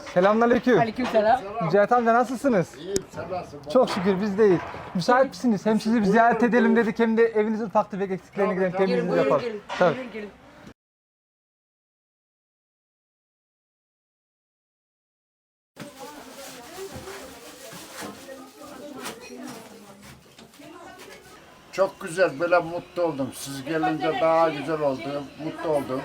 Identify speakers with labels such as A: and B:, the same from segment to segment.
A: Selamünaleyküm.
B: Aleykümselam.
A: Mücahit amca nasılsınız?
C: İyiyim, sen nasılsın?
A: Çok şükür biz deyiz. Müsait misiniz? Hem sizi bir ziyaret edelim dedik hem de evinizin ufak tefek eksiklerini gidelim, temizliğini yapalım. Tabii.
B: Gelin.
C: Çok güzel, böyle mutlu oldum. Siz gelince daha güzel oldu, mutlu oldum.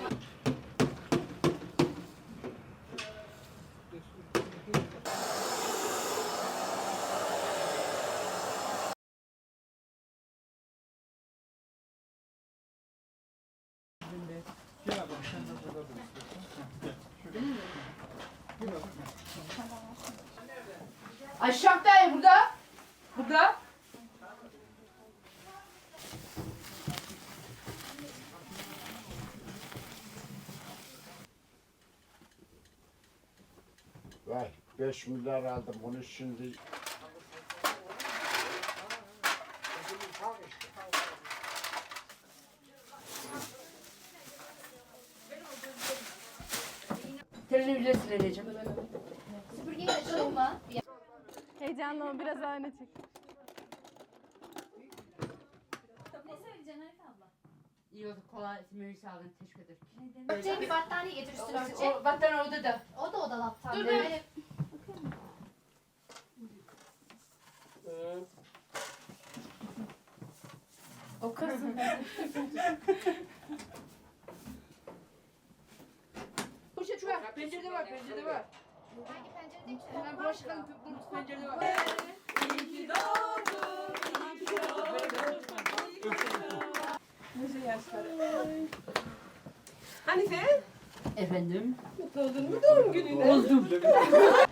B: Aşağıdayım burada. Burada.
C: Vay, 5 milyar aldım bunu şimdi.
B: Televizyon sileceğim.
D: Süpürgeyi açalım mı?
E: Heyecanlı ol, biraz öne çık.
D: Ne söyleyeceksin Hanife abla?
B: İyi oldu, kolay, mühür sağlığın, teşekkür ederim.
D: Örtecek bir battaniye getir üstüne örtecek.
B: O battaniye orada da.
D: O da dolaptan.
B: Dur,
D: Böyle
B: O kızım. Koşa şuraya, pencerede var, pencerede var.
D: hangi pencerede ki?
B: Hemen bulaşık alın, bu pencerede var.
F: Hanife,
B: Efendim?
F: mutlu oldun mu doğum gününe?